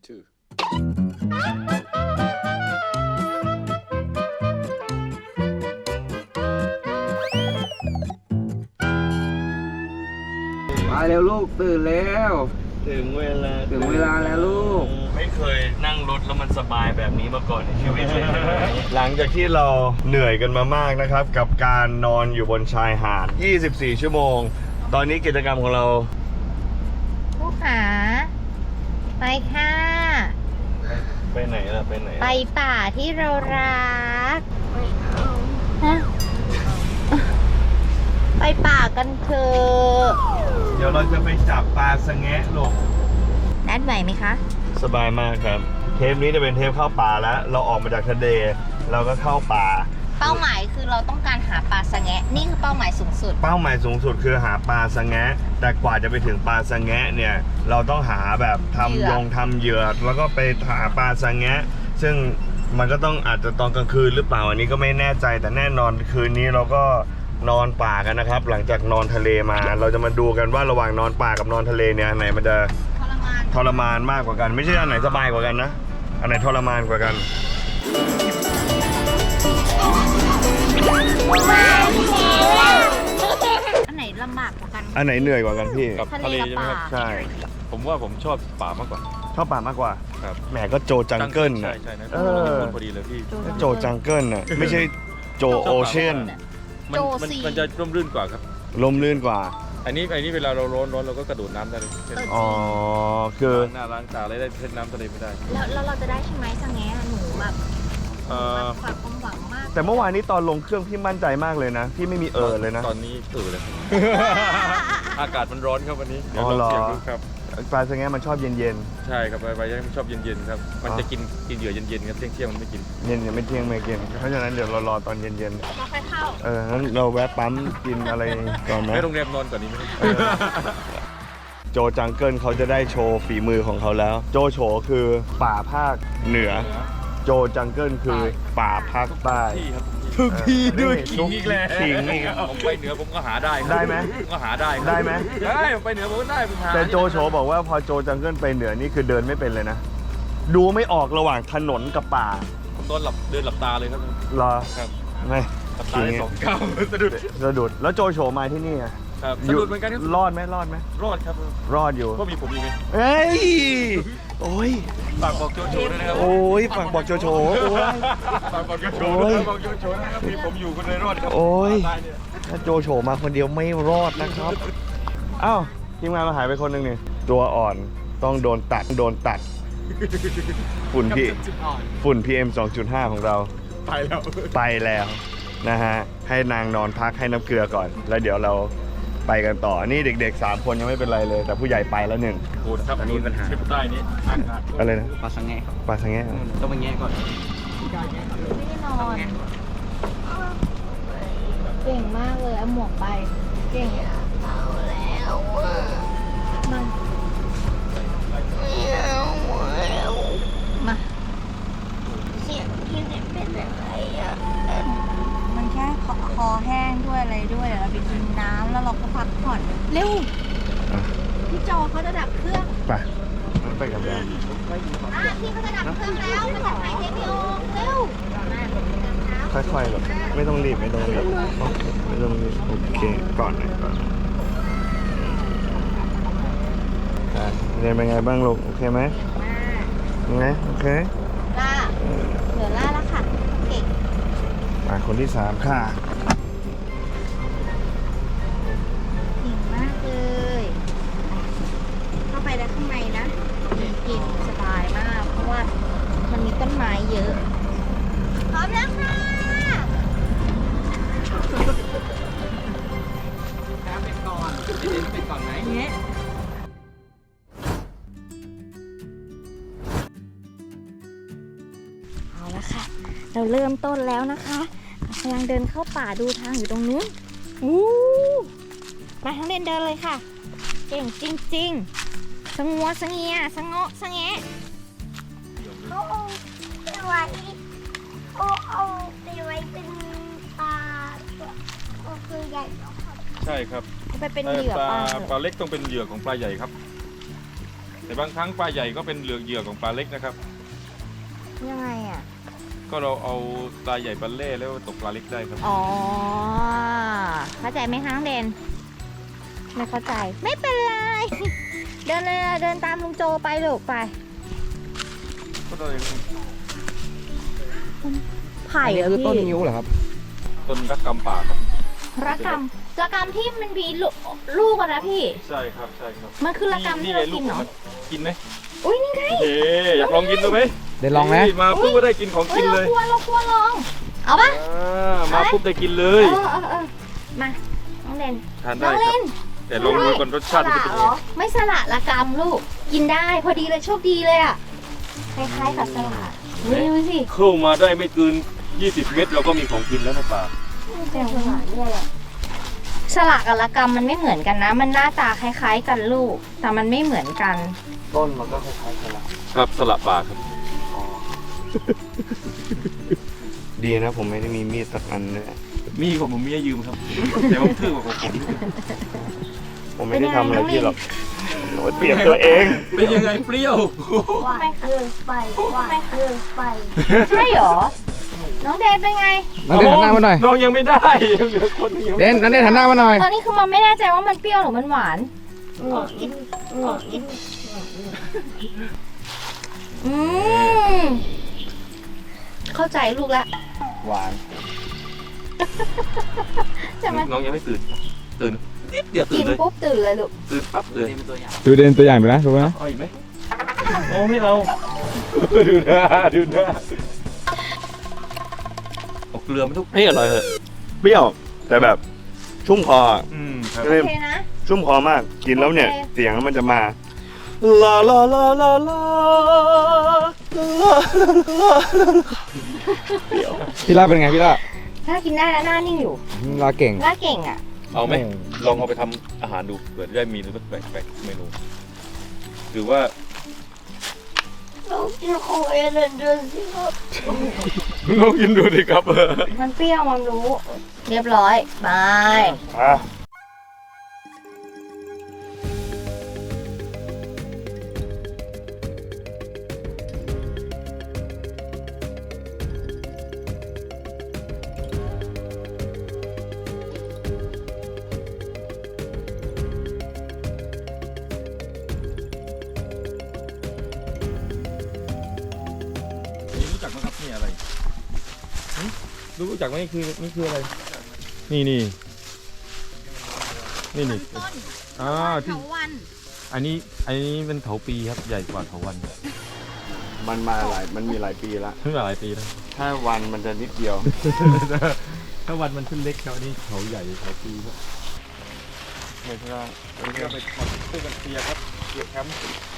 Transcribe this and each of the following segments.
2 มาเร็วลูกตื่นแล้วถึงเวลาแล้วลูกไม่เคยนั่งรถแล้วมันสบายแบบนี้มาก่อนในชีวิตเลย หลังจากที่เราเหนื่อยกันมามากนะครับ กับการนอนอยู่บนชายหาด 24 ชั่วโมง ตอนนี้กิจกรรมของเราผู้ขาไปค่ะไปไหนล่ะไปไหนไปป่าที่เรารักฮะไปป่ากันเถอะเดี๋ยวเราจะไปจับปลาสะแงะลูกนัดไหวไหมคะสบายมากครับ เทปนี้จะเป็นเทปเข้าป่าแล้ว เราออกมาจากทะเลเราก็เข้าป่าเป้าหมายคือเราต้องการหาปลาสะแงะนี่คือเป้าหมายสูงสุดเป้าหมายสูงสุดคือหาปลาสะแงะ แต่กว่าจะไปถึงปลาสะแงะเนี่ย เราต้องหาแบบทำเหยื่อทำเหยื่อแล้วก็ไปหาปลาสะแงะ ซึ่งมันก็ต้องอาจจะตอนกลางคืนหรือเปล่าอันนี้ก็ไม่แน่ใจแต่แน่นอนคืนนี้เราก็นอนป่ากันนะครับ หลังจากนอนทะเลมา เราจะมาดูกันว่าระหว่างนอนป่ากับนอนทะเลเนี่ยอันไหนมันจะทรมานมากกว่ากัน ไม่ใช่อันไหนสบายกว่ากันนะอันไหนทรมานกว่ากันอันไหนลำบากกว่ากันอันไหนเหนื่อยกว่ากันพี่กับทะเลใช่ไหมครับใช่ผมว่าผมชอบป่ามากกว่าชอบป่ามากกว่าครับแหมก็โจจังเกิลใช่น่ะใช่นะเออพอดีเลยพี่โจจังเกิลน่ะไม่ใช่โจโอเชียนมันจะร่มรื่นกว่าครับลมลื่นกว่าอันนี้เวลาเราร้อนเราก็กระโดดน้ำได้เลยอ๋อ คือล้างหน้าล้างตาอะไรได้เล่นน้ำทะเลไม่ได้แล้วเราจะได้ใช่ไหมสะแงะหนูแบบเอ่อฝากความหวังมากแต่เมื่อวานนี้ตอนลงเครื่องพี่มั่นใจมากเลยนะ พี่ไม่มีเลยนะตอนนี้เลย อากาศมันร้อนครับวันนี้เดี๋ยวอ๋อลองเหรอเสียงดูครับปลาสะแงมันชอบเย็นใช่ครับไปมันชอบเย็นๆครับ มันจะกินเหยื่อเย็นๆครับเที่ยงมันไม่กินๆ เย็นยังไม่เที่ยงไม่กิน เพราะฉะนั้นเดี๋ยวเรารอตอนเย็นเราค่อยเข้าๆงั้นเราแวะปั๊มกินอะไรก่อนไหมให้โรงแรมนอนก่อนนี้ไหมโจจังเกิลเขาจะได้โชว์ฝีมือของเขาแล้ว โจโฉคือป่าภาคเหนือ โจจังเกิลคือป่าภาคใต้ที่ครับทุกที่ด้วยขิงอีกแล้วขิงอีกผมไปเหนือผมก็หาได้ได้ไหมผมก็หาได้ได้ไหมได้ผมไปเหนือผมก็ได้ผมหาแต่โจโฉบอกว่าพอโจจังเกิลไปเหนือนี่คือเดินไม่เป็นเลยนะ ดูไม่ออกระหว่างถนนกับป่าผมเดินหลับตาเลยครับรอครับไม่หลับตาได้2 ก้าวสะดุดสะดุดแล้วโจโฉมาที่นี่อะครับสะดุดเหมือนกันครับรอดไหมรอดไหมรอดครับรอดอยู่ก็มีผมอีกไหมเอ้ยโอ้ยฝากบอกโจโฉด้วยนะครับโอ้ยฝากบอกโจโฉโอ้ยฝากบอกโจโฉโอ้ยบอกโจโฉนะครับมีผมอยู่คนเลยรอดครับโอ้ยตายเนี่ยถ้าโจโฉมาคนเดียวไม่รอดนะครับอ้าวทีมงานเราหายไปคนหนึ่งนี่ตัวอ่อนต้องโดนตัดฝุ่นพี่ฝุ่น PM 2.5 ของเราไปแล้วไปแล้วนะฮะให้นางนอนพักให้น้ำเกลือก่อน แล้วเดี๋ยวเราไปกันต่อนี่เด็กๆ3 คนยังไม่เป็นไรเลย แต่ผู้ใหญ่ไปแล้วหนึ่งโหดครับมีปัญหาใต้นี้อากาศอะไรนะปลาสังแงะครับปลาสังแงะเหรอต้องไปแงะก่อนไม่ได้นอน เก่งมากเลยเอาหมวกไป เก่งเอาแล้วมามาเสียงที่ไหนเป็นอะไรอ่ะมันแค่คอแห้งด้วยอะไรด้วยเดี๋ยวเราไปกินน้ำแล้วเราก็พักผ่อนเร็วอ่ะพี่จอเขาจะดับเครื่องไปงั้นไปกันแล้วพี่เขาจะดับเครื่องแล้วไปถ่ายเทปวิดีโอเร็วค่อยๆหรอกไม่ต้องรีบไม่ต้องรีบโอเคก่อนหน่อยก่อนอ่ะเรียนเป็นไงบ้างลูกโอเคไหมยังไงโอเคล่าเหลือล่าแล้วค่ะ เก่งคนที่ 3 ค่ะเก่งมากเลย เข้าไปแล้วข้างในนะมีกลิ่นสบายมาก เพราะว่ามันมีต้นไม้เยอะ พร้อมแล้วค่ะเนี่ยเอาละค่ะ เราเริ่มต้นแล้วนะคะเรากำลังเดินเข้าป่าดูทางอยู่ตรงนู้นอู้มาทั้งเล่นเดินเลยค่ะ เก่งจริงๆสงัวสงเงียสงะสงแงะเขาเอาไปไว้เอาไปไว้เป็นปลาก็คือใหญ่เนาะครับใช่ครับเอาไปเป็นเหยื่อปลาปลาเล็กต้องเป็นเหยื่อของปลาใหญ่ครับคแต่บางครั้งปลาใหญ่ก็เป็นเหยื่อของปลาเล็กนะครับยังไงอ่ะก็เราเอาปลาใหญ่ปลาเล่แล้วตกปลาเล็กได้ครับอ๋อ เข้าใจไหมคะน้องเดน ไม่เข้าใจ ไม่เป็นไร เดินเลยเดินตามลุงโจไปลูกไปก็เลยไผ่เหรอคือต้นพี่นิ้วเหรอครับต้นรักกำป่าครับระกำที่มันมีลูกอะนะพี่ใช่ครับใช่ครับมันคือระกำที่เรากินเหรอกินไหมอุ้ยนี่ไงเฮ้อยากลองกินดูไหมเดี๋ยวลองนะฮ้ยมาปุ๊บก็ได้กินของเฮ้กิยนเลยเรากลัวลอง เอาปะมาปุ๊บได้กินเลเอย อมา น้องเดนทานน้ได้องคเล่รับนแต่ลองดูก่อนรสชาติมันจะเป็นยังไงไม่สละระกำลูก กินได้พอดีเลยโชคดีเลยอ่ะ คล้ายๆกับสละดูสิเข้ามาได้ไม่เกิน 20 เมตรเราก็มีของกินแล้วนะป่าสละกับระกำมันไม่เหมือนกันนะ มันหน้าตาคล้ายๆกันลูก แต่มันไม่เหมือนกันต้นมันก็คล้ายๆกันละครับสละป่าครับดีนะผมไม่ได้มีมีดสักอันเลยมีของผมมีให้ยืมครับ แต่ว่าทื่อกว่าของผมผมไม่ได้ทำอะไรพี่หรอกโอ้ยเปรียบตัวเองเป็นยังไงเปรี้ยวหวานเกินไปหวานเกินไปใช่เหรอ น้องเดนเป็นไงน้องเดนหันหน้ามาหน่อยน้องยังไม่ได้ยังเหลือคนยังเดนน้องเดนหันหน้ามาหน่อยตอนนี้คือมันไม่แน่ใจว่ามันเปรี้ยวหรือมันหวานกินกินอืม เข้าใจลูกละหวานใช่ไหมน้องยังไม่ตื่น ตื่นนิดเดียวตื่กินนเลยปุ๊บตื่นเลยลูกตื่นปั๊บเลยดูเดนตัวอย่างดูนะดูนะเอาอีกไหมโอ้ไม่เอา ดูหน้าดูหน้าเอาเกลือมันทุกเฮ้ยอร่อยเหอะเปรี้ยว แต่แบบชุ่มคออะครับโอเคนะชุ่มคอมาก กินแล้วเนี่ยโอเคเสียงมันจะมาลาลาลาลาลาลาพี่ล่าเป็นไงพี่ล่าถ้ากินได้แล้วหน้านิ่งอยู่ลาเก่งหน้าเก่งอ่ะเอาไหมลองเอาไปทำอาหารดูเผื่อจะได้มีรสแปลกๆเมนูหรือว่าเรากินของเอเลนเดอร์สิครับลองกินดูดิครับมันเปรี้ยวมันรู้ เรียบร้อยไปอ่ะรู้จักไหมครับนี่อะไรรู้จักไหมนี่คืออะไรนี่นี่ที่เถาวันอันนี้เป็นเถาปีครับใหญ่กว่าเถาวันมันมีหลายปีละขึ้นมาหลายปีแล้วถ้าวันมันจะนิดเดียวถ้าวันมันขึ้นเล็กครับอันนี้เถาใหญ่เถาปีครับไม่ใช่อันนี้ก็ไปทำตู้กันเตียครับเตียแคมป์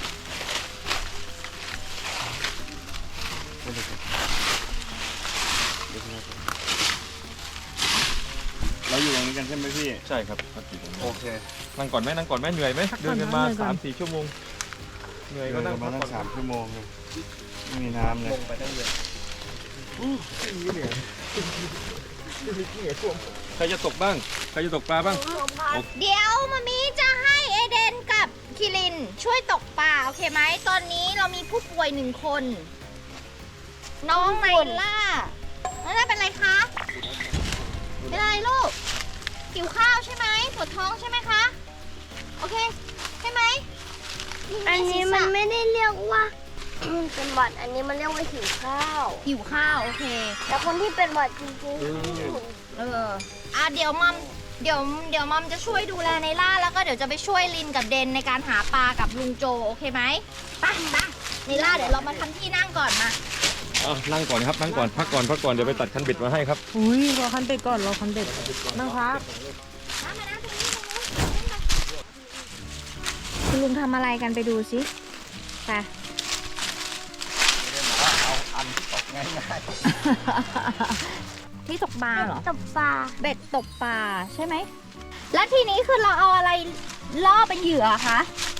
เราอยู่ตรงนี้กันใช่ไหมพี่ใช่ครับครับอยู่ตรงนี้โอเคนั่งก่อนไหมเหนื่อยไหมเดินกันมา 3-4 ชั่วโมงเหนื่อยเดิก็นนั่งมาพักตั้งก่อน 3 ชั่วโมงเลยไม่มีน้ำเลยใครจะตกบ้างใครจะตกปลาบ้างเดี๋ยวมามีจะให้เอเดนกับคิรินช่วยตกปลาโอเคไหม ตอนนี้เรามีผู้ป่วย1 คน น้องไนล่าน้องไนล่าเป็นไรคะ เป็นอะไรลูก หิวข้าวใช่ไหมปวดท้องใช่ไหมคะ โอเค ใช่ไหมอันนี้มันไม่ได้เรียกว่าเป็นหวัดอันนี้มันเรียกว่าหิวข้าวหิวข้าวโอเคแต่คนที่เป็นหวัดจริงๆเดี๋ยวมัมจะช่วยดูแลไนล่าแล้วก็เดี๋ยวจะไปช่วยลินกับเดนในการหาปลากับลุงโจโอเคไหมไปไนล่าเดี๋ยวเรามาทำที่นั่งก่อนมานั่งก่อนครับนั่งก่อนพักก่อนเดี๋ยวไปตัดคันเบ็ดมาให้ครับอุ้ยรอคันเบ็ดก่อนรอคันเบ็ดนะครับมานะตรงนี้คุณลุงทำอะไรกันไปดูสิไปที่ตกปลาเหรอตบปลาเบ็ดตกปลาใช่ไหม แล้วทีนี้คือเราเอาอะไรล่อเป็นเหยื่อคะ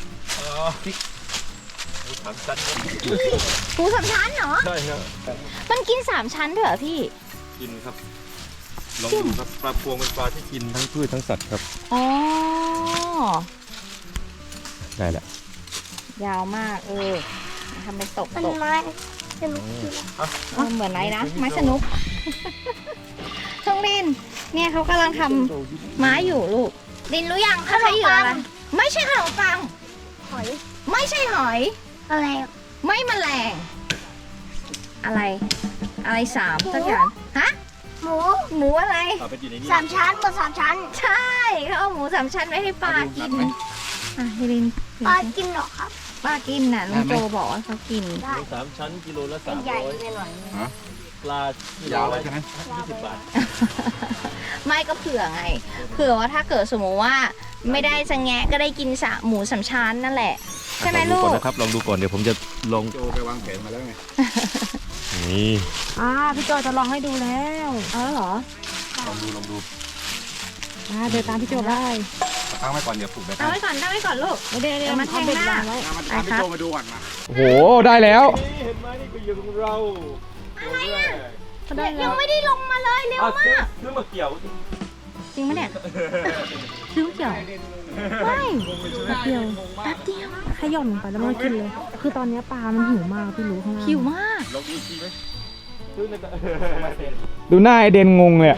ถามชั้นปูสามชั้นเหรอใช่ครับมันกิน3 ชั้นด้วยเหรอพี่กินครับลองดูครับปลาพวงเป็นปลาที่กินทั้งพืชทั้งสัตว์ครับอ๋อได้แหละอยาวมากทำเป็นตกมันตกไม้สนุกดีนะเหมือนอะไรนะไม้สนุกช่องลินเนี่ยเขากำลังทำไม้อยู่ลูกลินรู้ยังเขาใช้เหยื่ออะไรไม่ใช่ขนมปังหอยไม่ใช่หอยอะไรไม่แมลงอะไรสามสักอย่างฮะหมูหมูอะไรเอาไปอยู่ในนี้ 3 ชั้นบน3 ชั้นใช่เขาเอาหมู3 ชั้นไว้ให้ปลากินอ่ะให้ลินปลากินเหรอครับปลากินน่ะลุงโจบอกว่าเขากินได้ 3 ชั้นกิโลละใหญ่ 300 ไปหน่อยปลากิโลยาวละใช่ไหม 20 บาทไม่ก็เผื่อไง เผื่อว่าถ้าเกิดสมมติว่าไม่ได้จะแงะก็ได้กินหมู3 ชั้นนั่นแหละ ใช่ไหมลูลองดูก่อนกนะครับลองดูก่อนเดี๋ยวผมจะลองโจไปวางแผนมาแล้วไงนี่พี่โจจะลองให้ดูแล้วอ๋อเหรอลองดูเดินตามพี่โจได้ตั้งไว้ก่อนเดี๋ยวผูกไปตั้งไว้ก่อนลูกเดี๋ยวมันแทงหน้าวางไว้มาไปครับพี่โจมาดูก่อนมา โอ้โห ได้แล้วนี่เห็นไหมนี่คือเหยื่อของเราอะไรอ่ะก็ได้แล้ยัวงไม่ได้ลงมาเลยเร็วซื้อมากซื้อมาเกี่ยวจริงไหมเนี่ยซื้อเกี่ยวไม่แป๊บเดียวแป๊บเดียวขย่อนไปแล้วมันก็กินเลย คือตอนนี้ปลามันหิวมากพี่รู้ข้างล่างหิวมากลองดูอีกทีไหมซื้อในตะดูหน้าไอเดนงงเลยอะ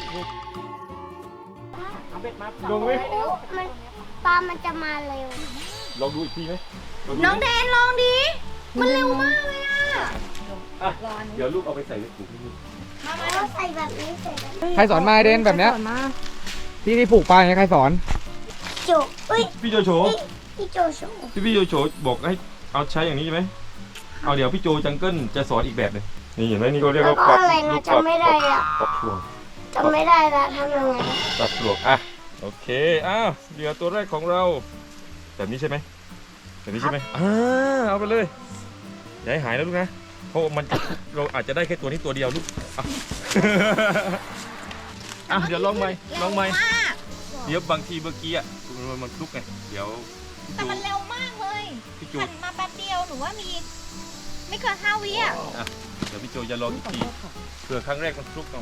ลงไหมมันปลามันจะมาเร็วลองดูอีกทีไหมลดูไหมน้องแดนลองดิมันเร็วมากเลยอ่ะอ่ะเดี๋ยวลูกเอาไปใส่ในถุงนี่แล้วใส่แบบนี้ใส่แบบนี้ใครสอนมาไอเดนแบบเนี้ยใครสอนมาที่ผูกปลาอย่างเงี้ยใครสอนโจเอ้ยพี่โจโฉพี่โจโฉที่พี่โจโฉบอกให้เอาใช้อย่างนี้ใช่ไหมเอาเดี๋ยวพี่โจจังเกิลจะสอนอีกแบบหนึงนี่เห็นไหมนี่เขาเรียกแล้วว่าก็อะไรนะจำไม่ได้อะปรับช่วงจำไม่ได้ละทำยังไงปรับช่วงอ่ะโอเคอ้าวเหยื่อตัวแรกของเราแบบนี้ใช่ไหมแบบนี้ใช่ไหมเอาไปเลยอย่าให้หายนะลูกนะเพราะมันเราอาจจะได้แค่ตัวนี้ตัวเดียวลูกอ่ะ อ่ะเดี๋ยวลองใหม่ลองใหม่เร็วมากเดี๋ยวบางทีเมื่อกี้อ่ะมันคลุกไงเดี๋ยวแต่มันเร็วมากเลยพี่โจหันมาแป๊บเดียวหนูว่ามีไม่เกิน5 วิอ่ะเดี๋ยวพี่โจจะลองอีกทีเผื่อครั้งแรกมันคลุกเอา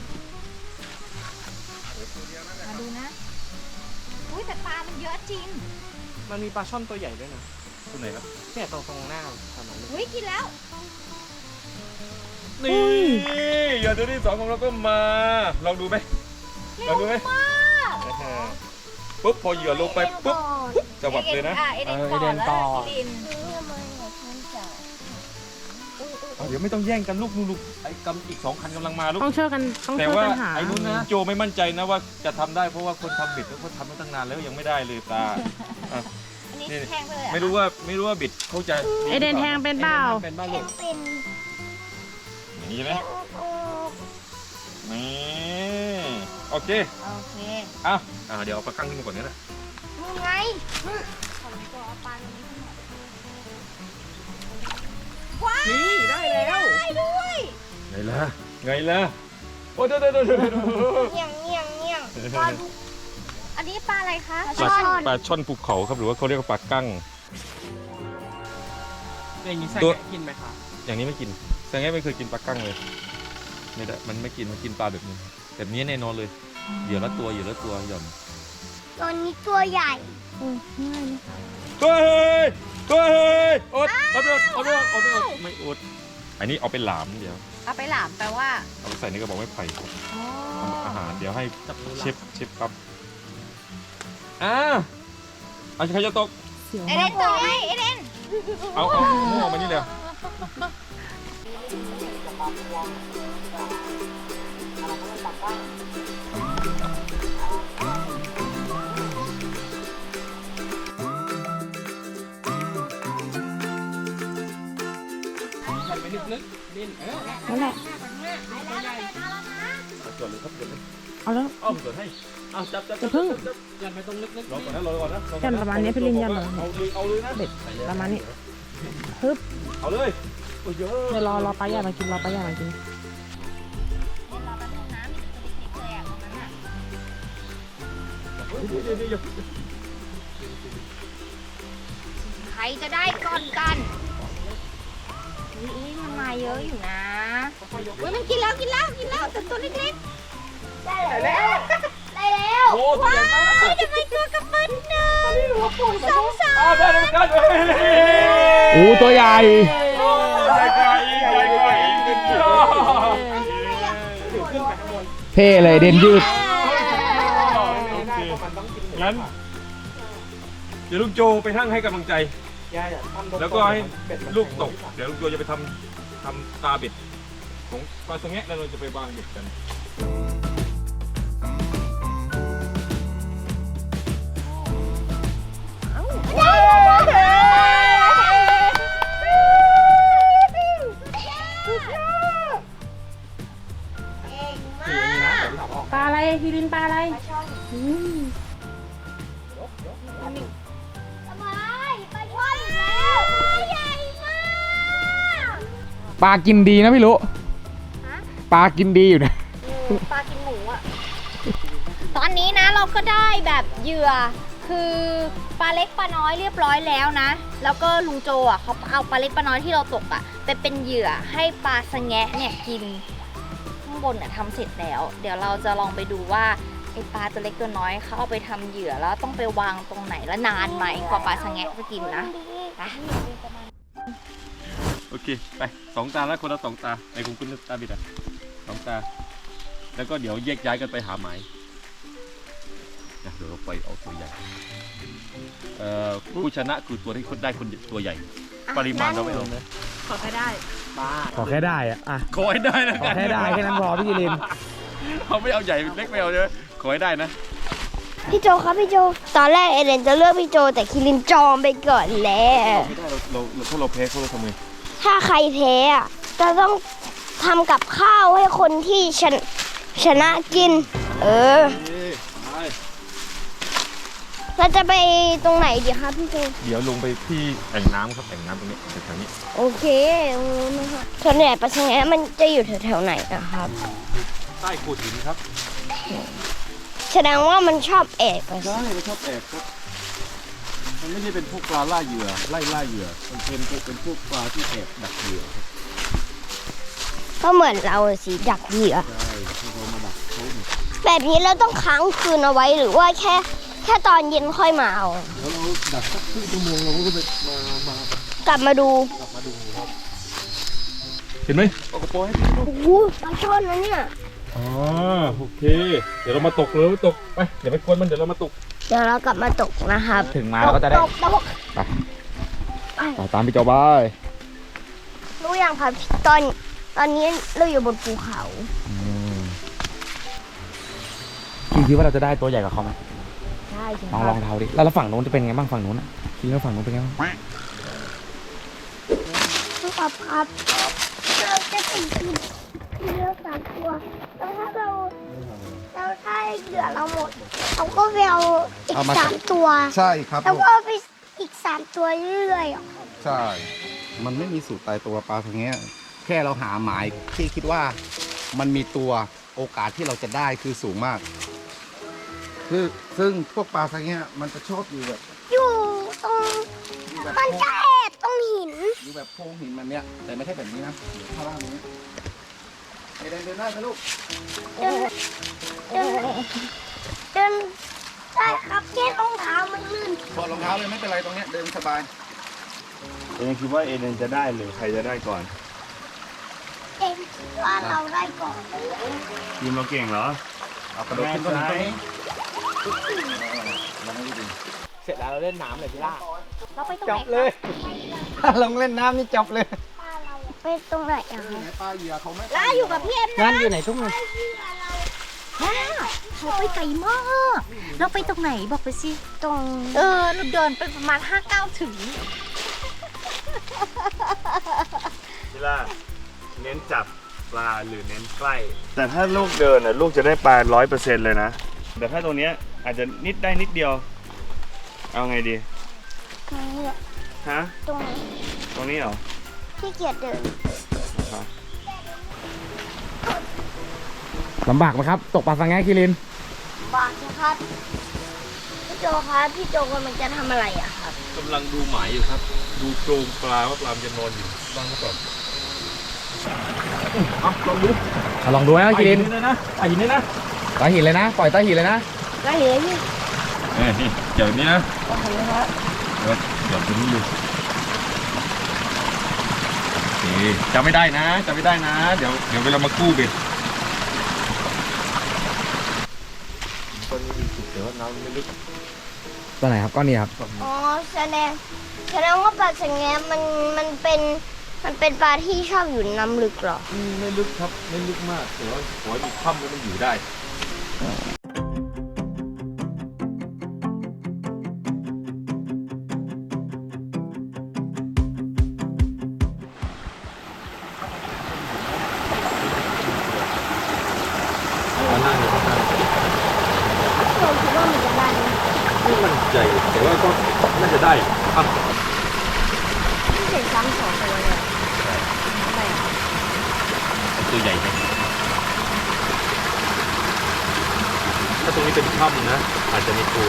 มาดูนะอุ้ยแต่ปลามันเยอะจริงมันมีปลาช่อนตัวใหญ่ด้วยนะตัวไหนครับเนี่ยตรงหน้าถนนอุ้ยกินแล้วนี่เหยื่อตัวที่2ของเราก็มาลองดูไหมลองดูไหมปุ๊บพอเหยื่อลงไปปุ๊บจะวัดเลยนะเอเดนก่อนแล้วลินเดี๋ยวไม่ต้องแย่งกันลูกลูกไอ้กำอีก2 คันกำลังมาลูกต้องช่วยกันต้องแต่ช่วยว่ากันหาไอ้นู้นนะโจไม่มั่นใจนะว่าจะทำได้เพราะว่าคนทำบิดเขาทำมาตั้งนานแล้วยังไม่ได้เลยปลาอันนี้แทงไปเลยเหรอไม่รู้ว่าบิดเขาจะเอเดนแทงเป็นเปล่าเป็นบ้าเป็ลูนกเป็นอย่างนี้ใช่ไหมนี่โอเคโอเคเดี๋ยวเอาปลากั้งขึ้นมาก่อนนี่นะมึงไงนี่ได้แล้วได้ด้วยไงล่ะโอ้เดี๋ยวเงี้ยงเงี้ยงเงี้ยงปลาดุอันนี้ปลาอะไรคะปลาช่อนภูเขาครับหรือว่าเขาเรียกว่าปลากั้งอย่างนี้ใส่ตัวกินไหมคะอย่างนี้ไม่กินแสดงว่าไม่เคยกินปลากั้งเลยไม่ได้มันไม่กินมันกินปลาแบบนี้แบบนี้แน่นอนเลยเหยื่อละตัวหย่อนตัวนี้ตัวใหญ่ตัวเฮ้ยอดเอาไปไม่อดอันนี้เอาไปหลามเดี๋ยวเอาไปหลามแปลว่าเอาไปใส่ในกระบอกไม้ไผ่อ๋อทำอาหารเดี๋ยวให้จับมือเชฟครับเอาใครจะตกเสียวเอมาเดกนตัวไงเอเดนเอาหัวมานี่เลยใส่ไปลึกๆดิ้นนั่นแหละจดเลยครับจดเลยเอาแล้วอ้อมจดให้เอาจับจะพึ่งยันไปตรงลึกรอก่อนนะยันประมาณนี้พี่ลินยันเลยเอาเลยนะเด็ดประมาณนี้ฮึบเอาเลยโอ้ยเยอะเดี๋ยวรอปลาใหญ่มากินรอปลาใหญ่มากินใครจะได้ก่อนกันอุ้ยมันมาเยอะอยู่นะอุ้ยมันกินแล้วแต่ตัวเล็กได้แล้วได้แล้วโอ้ตัวใหญ่มากทำไมตัวกระเบิ้ลหนึ่งสองสามอ้าวได้แล้วกันเลยโอ้ตัวใหญ่ใหญ่กว่าอีกใหญ่กว่าอีกเป็นยอดเท่เลยเดนยืดงั้นเดี๋ยวลุงโจไปนั่งให้กำลังใจ แล้วก็ให้ลูกตก เดี๋ยวลุงโจจะไปทำตาเบ็ดของปลาสะแงะแล้วเราจะไปวางเบ็ดกันปลาอะไรทีรินปลาอะไรสบายปลาช่อนอีกแล้วใหญ่มากปลากินดีนะพี่รู้ปลากินดีอยู่นะปลากินหมูอะตอนนี้นะเราก็ได้แบบเหยื่อคือปลาเล็กปลาน้อยเรียบร้อยแล้วนะ แล้วก็ลุงโจอ่ะเขาเอาปลาเล็กปลาน้อยที่เราตกอ่ะไปเป็นเหยื่อให้ปลาสะแงะเนี่ยกินข้างบนเนี่ยทำเสร็จแล้ว เดี๋ยวเราจะลองไปดูว่าไอปลาตัวเล็กตัวน้อยเขาเอาไปทำเหยื่อแล้วต้องไปวางตรงไหนและนานไหมกว่าปลาสะแงะจะกินนะไปโอเค ไปสองตาแล้วคนละสองตาในคุณตาบิดอ่ะสองตา แล้วก็เดี๋ยวแยกย้ายกันไปหาหมายนะเดี๋ยวเราไปเอาตัวใหญ่ผู้ชนะคือตัวที่ได้คนตัวใหญ่ ปริมาณเราไม่เอานะขอแค่ได้ขอแค่ได้อะขอให้ได้นะขอแค่ได้แค่นั้นพอพี่กิรินเขาไม่เอาใหญ่เล็กไม่เอาใช่ไหมขอให้ได้นะพี่โจครับพี่โจ ตอนแรกเอเลนจะเลือกพี่โจแต่คิรินจองไปก่อนแล้วไม่ได้เราถ้าเราแพ้เขาเราทำไงถ้าใครแพ้อะจะต้องทำกับข้าวให้คนที่ชนะกินไปเราจะไปตรงไหนดีครับพี่โจเดี๋ยวลงไปที่แอ่งน้ำครับแอ่งน้ำตรงนี้แถวๆนี้โอเคส่วนใหญ่ปลาชะแงะมันจะอยู่แถวๆไหนนะครับใต้โขดหินครับแสดงว่ามันชอบแอบไปใช่มันชอบแอบครับ มันไม่ใช่เป็นพวกปลาล่าเหยื่อไล่ล่าเหยื่อมันเป็นพวกปลาที่แอบดักเหยื่อครับก็เหมือนเราสีดักเหยื่อใช่ที่เขามาดักเขาเนี่ยแบบนี้เราต้องค้างคืนเอาไว้หรือว่าแค่ตอนเย็นค่อยมาเอาแล้วเราดักสักครึ่งชั่วโมงเราก็ไปมากลับมาดูลับมาดูครับเห็นไหมเอากระโปรงให้พี่ดูโอ้โหปลาช่อนนะเนี่ยอ๋อโอเค เดี๋ยวเรามาตกเลยตกไปเดี๋ยวไปกวนมันเดี๋ยวเรามาตกเดี๋ยวเรากลับมาตกนะครับถึงมาเราก็จะได้ตกไปตามพี่โจบายรู้ยังครับตอนนี้เราอยู่บนภูเขาคิดว่าเราจะได้ตัวใหญ่กว่าเขาไหมใช่ใช่ลองเท้าดิแล้วฝั่งนู้นจะเป็นไงบ้างฝั่งนู้นอ่ะคิดว่าฝั่งนู้นเป็นไงบ้างครับครับเราจะติดเรือสามตัวแล้วถ้าเราได้เหยื่อเราหมดเราก็ไปเอาอีกสามตัวใช่ครับแล้วลูกก็เอาไปอีก3 ตัวเรื่อยๆอ่ะใช่ มันไม่มีสูตรตายตัวปลาทางเงี้ยแค่เราหาหมายที่คิดว่ามันมีตัวโอกาสที่เราจะได้คือสูงมาก ซึ่งพวกปลาทางเงี้ยมันจะชอบอยู่แบบอยู่ตรงมันจะแอบตรงหินอยู่แบบโพรงหินมันเนี้ยแต่ไม่ใช่แบบนี้นะเดี๋ยวข้างล่างนี้เดินได้ไหมลูกเดินได้ครับแค่รองเท้ามันลื่นถอดรองเท้าเลยไม่เป็นไรตรงเนี้ยเดินสบายเองคิดว่าเอเลนจะได้หรือใครจะได้ก่อนเองคิดว่าเราได้ก่อนทีมเราเก่งเหรอเอากระโดดขึ้นต้นนี้เสร็จแล้วเราเล่นน้ำเลยพี่ล่าเราไปตรงจไหนบเลยถ้าลงเล่นน้ำนี่จบเลยไปตรงไหนอ่ะไหนปลาเหยื่อเขาไม่ล่าอยู่กับพี่เอ็มนะงั้นอยู่ไหนทุ่งเลยเราไปไกลมาก เราไปตรงไหนบอกไปสิตรงเราเดินไปประมาณ5-9 ถึงพี่ล่าเน้นจับปลาหรือเน้นใกล้ แต่ถ้าลูกเดินน่ะลูกจะได้ปลา100%เลยนะ แต่ถ้าตรงเนี้ยอาจจะนิดได้นิดเดียว เอาไงดีตรงนี้อะฮะตรงนี้ตรงนี้เหรอที่เกียจเดินลำบากไหมครับ ตกปลาสังแงคิรินบาทนะครับ พี่โจครับพี่โจกำลังจะทำอะไรอะครับกำลังดูหมายอยู่ครับ ดูโครงปลาว่าปลามันจะนอนอยู่บ้างหรือเปล่าลองดูลองดูนะคิรินไอ้หินนี่นะใต้หินเลยนะ ปล่อยใต้หินเลยนะก็เห็นพี่นี่เดี๋ยวนี้นะโอเคครับเดี๋ยวตรงนี้อยู่โอเคจำไม่ได้นะ เดี๋ยวเวลามากู้เบ็ดตอนนี้เดี๋ยวน้ำไม่ลึกตัวไหนครับก้อนนี้ครับอ๋อแสดงว่าปลาสังแงมันเป็นปลาที่ชอบอยู่น้ำลึกเหรอไม่ลึกครับไม่ลึกมากแต่ว่าขอให้มีถ้ำแล้วมันอยู่ได้เราคิดว่ามันจะได้ไหมไม่มั่นใจแต่ว่าก็น่าจะได้อ่ะเห็นซ้ำสองตัวเลยอะตัวใหญ่ไหมถ้าตรงนี้เป็นถ้ำนะอาจจะมีตัว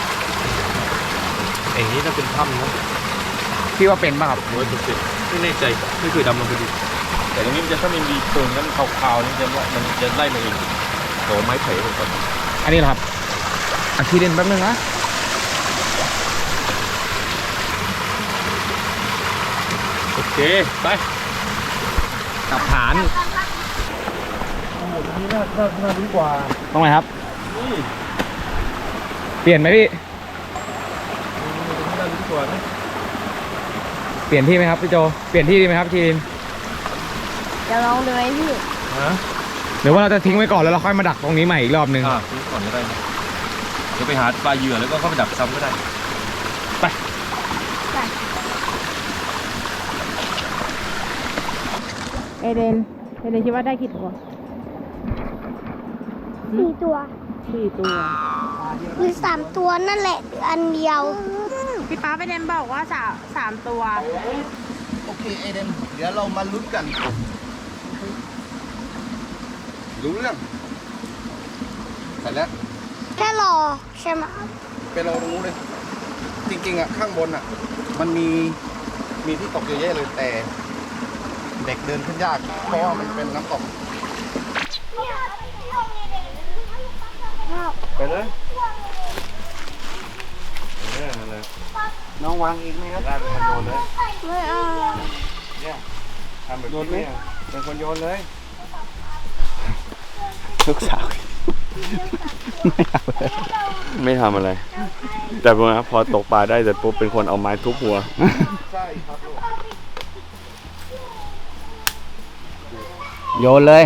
อย่างนี้ถ้าเป็นถ้ำนะพี่ว่าเป็นป่ะครับ 100%ไม่แน่ใจไม่เคยดำลงไปดูแต่ตรงนี้มันจะถ้ามันมีโครงนั้นขาวๆนี่จะว่ามันจะไล่มาเองขอไม้ไผ่ผมก่อนอันนี้เหรอครับอ่ะทีเด่นแป๊บนึงนะโอเคไปกลับฐานโอ้โหตรงนี้น่าดีกว่าตรงไหนครับนี่เปลี่ยนไหมพี่ตรงนี้น่าดีกว่านะเปลี่ยนที่ไหมครับพี่โจ เปลี่ยนที่ดีไหมครับทีนจะลองดูไหมพี่ฮะหรือว่าเราจะทิ้งไว้ก่อนแล้วเราค่อยมาดักตรงนี้ใหม่อีกรอบนึงซื้อก่อนก็ได้นะเดี๋ยวไปหาปลาเหยื่อแล้วก็เข้าไปดักซ้ำก็ได้เอเดนคิดว่าได้กี่ตัว 4 ตัว 4 ตัวหรือ3 ตัวนั่นแหละหรืออันเดียวพี่ป้าไปเดนบอกว่า3 ตัวโอเคเอเดนเดี๋ยวเรามาลุ้นกัน รู้เรื่องเสร็จแล้วแค่รอใช่ไหมไปรอตรงนู้นเลย จริงๆอ่ะข้างบนอ่ะ มันมีที่ตกเยอะแยะเลยแต่ เด็กเดินขึ้นยากเพราะว่ามันเป็นน้ำตกไปเลยอะไรน้องวางอีกไหมครับได้เป็นคนโยนเลยไม่เอาเนี่ยทำแบบนี้เนี่ยเป็นคนโยนเลยลูกสาวไม่ทำอะไร แต่พอตกปลาได้เสร็จปุ๊บเป็นคนเอาไม้ทุบหัวใช่ครับลูกโยนเลย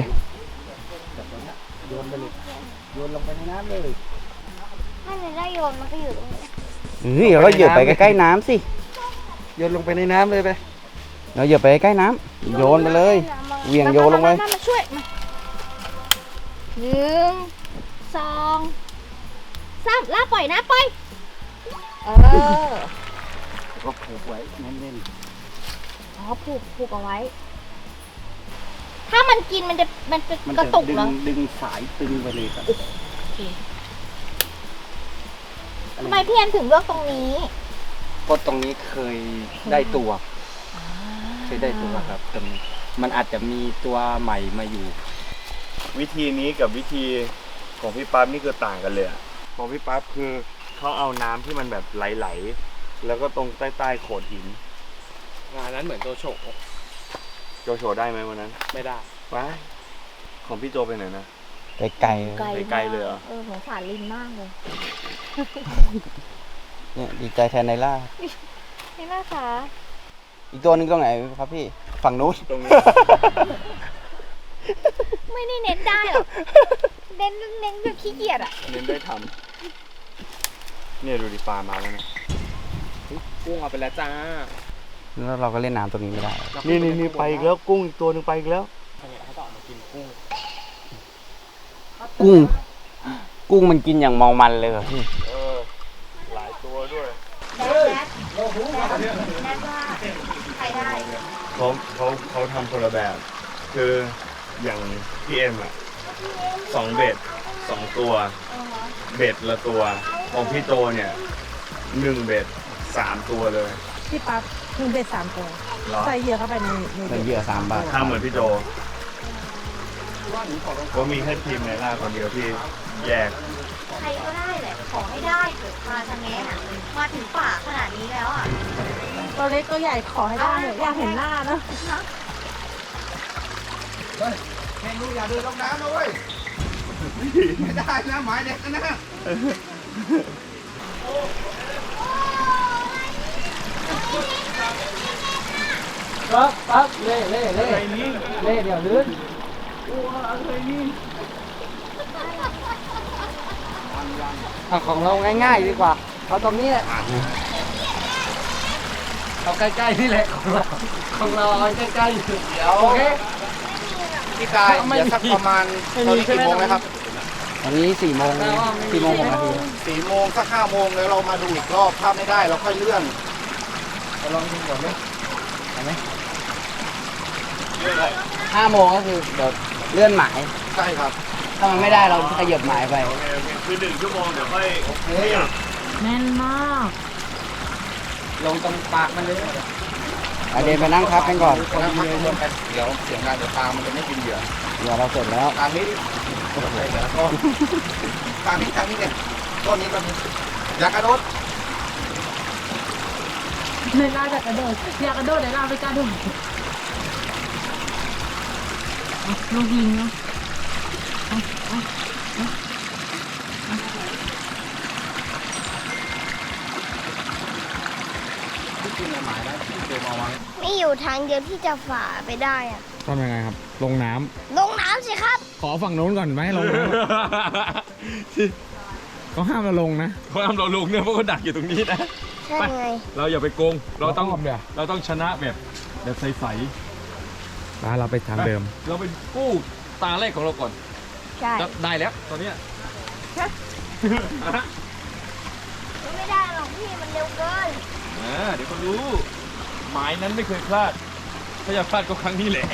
ถ้าหนูได้โยนมันก็อยู่ตรงนี้เฮ้ยเราก็เหยียบไปใกล้ๆน้ำสิโยนลงไปในน้ำเลยไปเราเหยียบไปใกล้ๆน้ำโยนไปเลยเหวี่ยงโยนลงไปมาช่วยมา1 2 3ลากปล่อยนะปล่อยก็ผูกไว้แน่นอ๋อผูกเอาไว้ ถ้ามันกินมันจะๆมันกระจะตุกเหรอดึงสายตึงไปเลยครับทำไมพี่แอมถึงเลือกตรงนี้เพราะตรงนี้เคยได้ตัวครับตรงนี้มันอาจจะมีตัวใหม่มาอยู่วิธีนี้กับวิธีของพี่ปั๊บนี่คือต่างกันเลยอะของพี่ปั๊บคือเขาเอาน้ำที่มันแบบไหลๆแล้วก็ตรงใต้ๆโขดหินงานนั้นเหมือนตัวโฉกโจโฉได้ไหมวันนั้นไม่ได้ว้ายของพี่โจไปไหนนะไกลไกลไกลเลยเหรอสงสารลินมากเลยๆเนี่ยดีใจแทนไนล่านี่นะคะอีกตัวหนึงตรงไหนครับพี่ ฝั่งนู้นตรงนี้ไม่ได้เน้นได้หรอกเน้นแบบขี้เกียจอ่ะเน้นได้ทำเนี่ยดูดิปลามาแล้วนะกุ้งเอาไปแล้วจ้าแล้วเราก็เล่นน้ำตรงนี้ไม่ได้นี่ไปอีกแล้วกุ้งอีกตัวหนึ่งไปอีกแล้วเขาต้องออกมากินกุ้งกุ้งมันกินอย่างเมามันเลยเหรอพี่หลายตัวด้วยใครได้เขาทำคนละแบบ คืออย่างพี่เอ็มอะ2 เบ็ด 2 ตัว เบ็ดละตัว ของพี่โตเนี่ย1 เบ็ด 3 ตัวเลยพี่ปั๊บ1 เบ็ด 3 ตัวเหรอใส่เหยื่อเข้าไปในเป็นเหยื่อ3 บาททำเหมือนพี่โจก็มีแค่ทีมในล่าคนเดียวที่แยกใครก็ได้แหละ ขอให้ได้เกิดปลาสะแงะอะมาถึงป่าขนาดนี้แล้วอ่ะตัวเล็กตัวใหญ่ขอให้ได้อยากเห็นหน้านะแข่งลูกอย่าเดินลงน้ำนะเว้ย ไม่ได้นะหมายเด็กนะปั๊บเล่เดี๋ยวลื่นเอาของเราง่ายๆดีกว่าเอาตรงนี้แหละเอาใกล้ๆนี่แหละของเราเอาใกล้ๆอยู่เดี๋ยวโอเคพี่กายเดี๋ยวสักประมาณตอนนี้กี่โมงนะครับตอนนี้4 โมง6 นาที 4 โมงสัก5 โมงแล้วเรามาดูอีกรอบถ้าไม่ได้เราค่อยเลื่อนลองดูก่อนไหม 5 โมงก็คือเดี๋ยวเลื่อนหมายใช่ครับถ้ามันไม่ได้เราขยับหมายไปโอเคคือ1 ชั่วโมงเดี๋ยวค่อยขยับแน่นมากลงตรงปากมันเลยเดินไปนั่งพักกันก่อนแล้วพักรวมกันเดี๋ยวเสียงงานเดี๋ยวปลามันจะไม่กินเหยื่อเดี๋ยวเราเสร็จแล้วทางนี้ทางนี้เนี่ยต้นนี้ก็มีอย่ากระโดดในลาจะกระโดดอยากกระโดดในลาไปกระโดดลูกยิงเนาะมีอยู่ทางเดียวที่จะฝ่าไปได้อะทำยังไงครับ ลงน้ำลงน้ำสิครับขอฝั่งโน้นก่อนไหมลงน้ำเขาห้ามเราลงนะเขาทำเราลงเนี่ยเพราะเขาดักอยู่ตรงนี้นะใช่ไงเราอย่าไปโกง เราต้องเราอ้อมเดี๋ยวเราต้องชนะแบบใสป้าเราไปทางเดิมๆเราไปกู้ตาแรกของเราก่อนใช่ได้แล้วตอนเนี้ยไม่ได้หรอกพี่มันเร็วเกินเดี๋ยวก็รู้ หมายนั้นไม่เคยพลาด ถ้าจะพลาดก็ครั้งนี้แหละ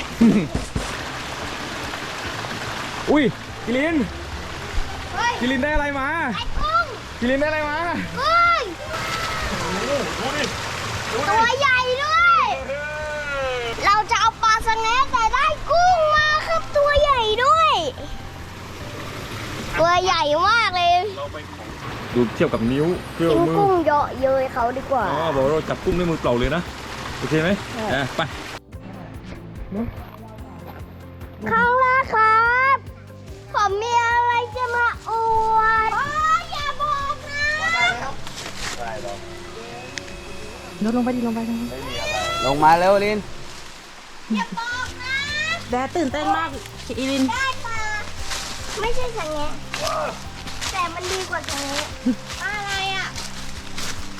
อุ้ยกิลินเฮ้ยกิลินได้อะไรมาไอ้กุ้งกิลินได้อะไรมากุ้งดูดิตัวใหญ่ด้วย เราจะเอาปลาสะแงะแต่ได้กุ้งมาครับตัวใหญ่ด้วย ตัวใหญ่มากเลยดูเทียบกับนิ้วเครื่อกิงนมือกุ้งเยอะเย้ยเขาดีกว่าอ๋อบอกว่าเราจับกุ้งด้วยมือเปล่าเลยนะ โอเคไหมไปข้างล่างครับผมมีอะไรจะมาอวดอย่าบอกนะโดดลงไปดิลงไปลงมาเร็วลินอย่าบอกนะแดดตื่นเต้นมากอีลินได้มาไม่ใช่สะแงะแต่มันดีกว่าสะแงะอะไรอ่ะโอ้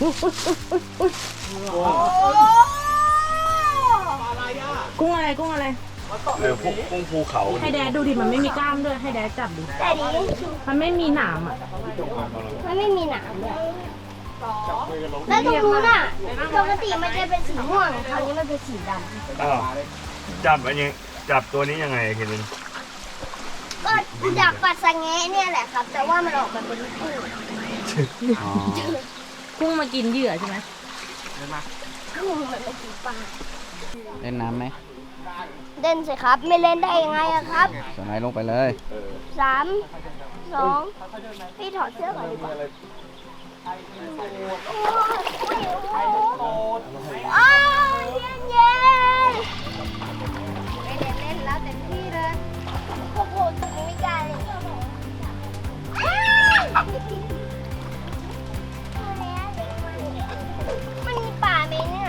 กุ้งอะไรกุ้งอะไรพวกกุ้งภูเขาให้แดดดูดิมันไม่มีกล้ามด้วยให้แดดจับดิแต่ดีมันไม่มีหนามอ่ะมันไม่มีหนามเลยแล้วตรงนู้นอ่ะปกติมันจะเป็นสีม่วงคราวนี้มันเป็นสีดำอ้าวจับอันนี้จับตัวนี้ยังไงคิรินก็จากปัดสะแงะเนี่ยแหละครับ แต่ว่ามันออกมาเป็นกุ้งกุ้งมากินเหยื่อใช่ไหมกุ้งมันเป็นสีปลาเล่นน้ำไหมเล่นสิครับ ไม่เล่นได้ยังไงอะครับสไลด์ลงไปเลย 3 2 พี่ถอดเสื้อก่อนดีกว่าโอ้ยเย็นเย็นไม่เล่นเล่นแล้วเต็มที่เลยโอ้โหจุดนี้ไม่กล้าเลยมันมีป่าไหมเนี่ย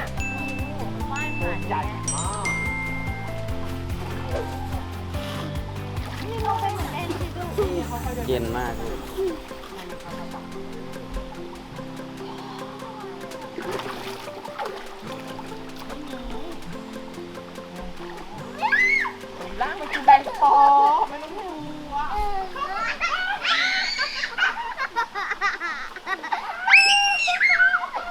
นี่ลงไปเหมือนแอนติดูเย็นมากแบนฟอร์